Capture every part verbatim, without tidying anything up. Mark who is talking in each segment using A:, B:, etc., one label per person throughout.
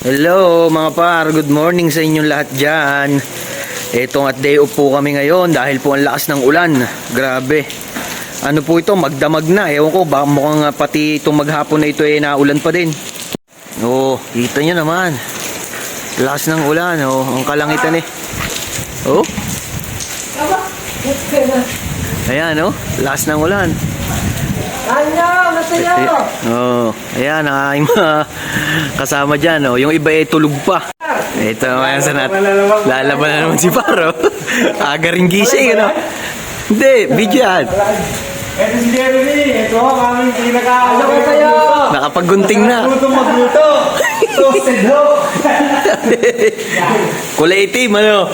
A: Hello mga par, good morning sa inyong lahat dyan. Etong at day off po kami ngayon dahil po ang lakas ng ulan. Grabe. Ano po ito, magdamag na. Ewan ko, baka mukhang uh, pati itong maghapon na ito eh naulan pa din. Oh, kita nyo naman. Lakas ng ulan, oh, ang kalangitan eh. Oh. Ayan, oh, lakas ng ulan.
B: Ano, masayo!
A: Oh, ayan ang aking mga kasama dyan. Oh. Yung iba ay tulog pa. Ito naman sa nat. Lalaban na naman si Paro. Aga rin gising, ano? Hindi, video yan.
C: Ito si Jeremy. Ito ang aming pinaka-ano
B: ko sa'yo!
A: Nakapaggunting na.
C: Magluto, magluto. Toasted ho.
A: Kulay itim, ano?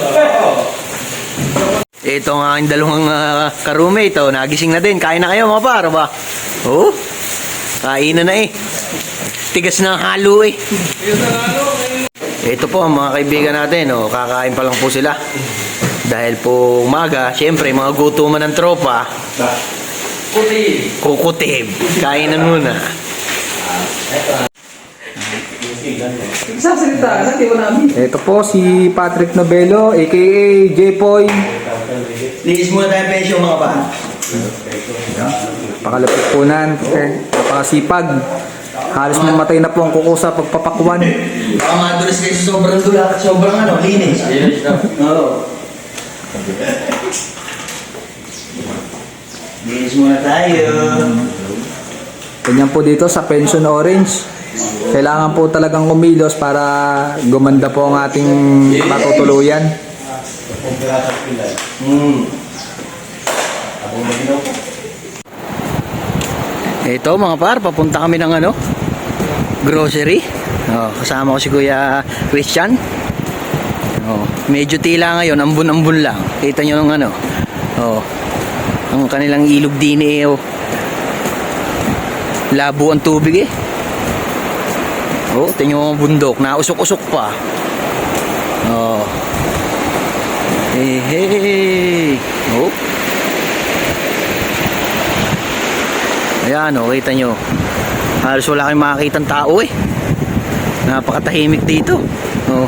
A: Ito ang aking dalawang uh, ka-roommate. Oh. Nagising na din. Kain na kayo mga Paro ba? Oh, kain na na eh. Tigas na halo eh. Ito po ang mga kaibigan natin. Oh. Kakain pa lang po sila. Dahil po umaga, syempre mga gutuman ng tropa. Kukutib. Kukutib. Kain na muna.
B: Sasalita, natin ko namin.
D: Ito po si Patrick Novelo aka J-Poy.
A: Linis muna tayo pensyon mga pa.
D: Pakalapit po nan, eh, napakasipag. Halos namatay na po ang kuko sa pagpapakwan.
A: Baka madulas kayo sa sobrang dula. Sobrang ano, linis. Oo. Linis muna tayo.
D: Ganyan po dito sa Pension Orange. Kailangan po talagang kumilos para gumanda po ang ating matutuluyan.
A: Hmm. Ito mga par, papunta kami ng ano, grocery. Oh, kasama ko si Kuya Christian. Oh, medyo tila ngayon, ambun-ambun lang. Kita nyo ng ano. Oh, ang kanilang ilog din eh. Oh. Labo ang tubig eh. Oh, tingnan mo ang bundok, nausok-usok pa. Oh. Hey, hey. Oh. Ayan, oh, kita nyo. Halos wala kayong makakitang tao eh. Napakatahimik dito. Oh.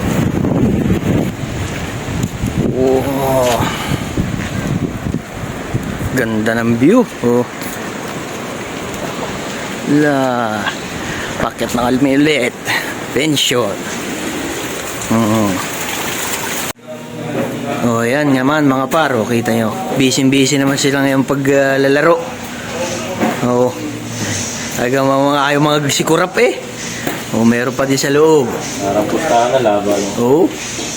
A: Oh. Ganda ng view. Oh. La. Paket ng almilit. Pension. Oh. Oh, ayan naman mga paro, kita nyo. Busy-busy naman sila ngayong paglalaro. Uh, oh. Talagang mga ayaw mga sikurap eh. Oh, meron pa din sa loob.
C: Parang pustahan na laban.
A: Oh.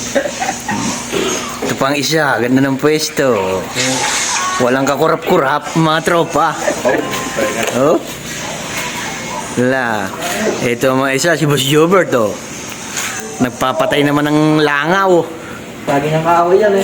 A: Ito pang isa, ganda ng pwesto. Walang kakurap-kurap, mga tropa. Oh. La. Ito mga isa, si Boss Jobert oh. Nagpapatay naman ng langaw.
B: Lagi niyang kaaway yan eh.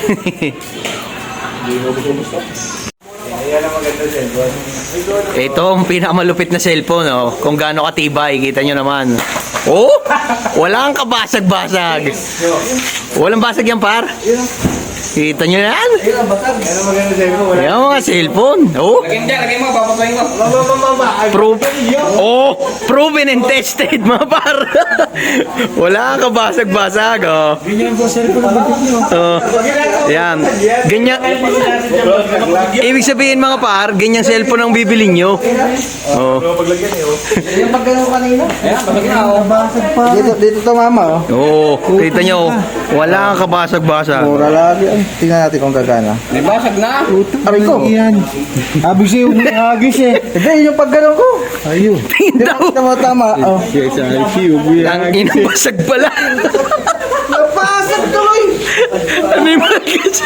C: Ayan ang maganda cellphone.
A: Ito ang pinakamalupit na cellphone oh. Kung gaano katibay, kita nyo naman. Oh! Walang kabasag-basag. Walang basag yan par. Kita nyo yan?
C: Ayan ang maganda cellphone.
A: Yan mga cellphone. Oh!
C: Lagyan dyan, lagyan mo, papasayin mo. Mama, mama,
A: Pro oh, proven and tested mga par. Wala kang kabasag-basag oh.
C: Ganyan po cellphone ang bitin nyo.
A: Oh. Yan. Ganyan. Ibig sabihin mga par, ganyang cellphone ang bibili nyo. Oh.
C: Paglagyan eh, oh.
B: Yung pagkano kanina? Ayan, palagyan ako. Basag pa.
D: Dito, dito to mama oh.
A: Oh, kita nyo. Wala kang kabasag-basag.
D: Mura lagi. Ay, tingnan natin kung gagana.
B: May basag na.
D: Aray ko. Yan. Abis eh, umihagis eh. Hindi, yung paggano'n ko. Ayun.
A: Tingin daw.
D: Tama, tama. Oh.
C: Yes, I see you.
A: Ang inabasag pala.
D: Napasag tuloy.
A: Ano yung mga kasi?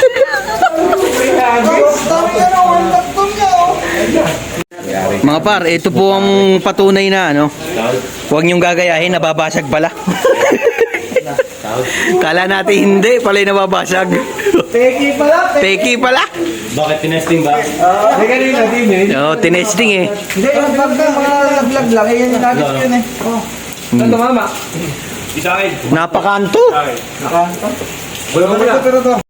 A: Mga par, ito po ang patunay na ano. Huwag niyong gagayahin, nababasag pala. Kala natin hindi, pala yung nababasag.
B: Peki pala.
A: Peki pala.
C: Bakit tinesting ba? Hindi kanina din eh.
A: Oo, tinesting eh.
B: Hindi, yung vlog na, mga vlog lang. Eh, yan yung gamit ko yun eh. Oh. Saan tumama?
C: Isa akin.
A: Napakanto.
C: Isa akin.
B: Naka.
C: Wala mo na.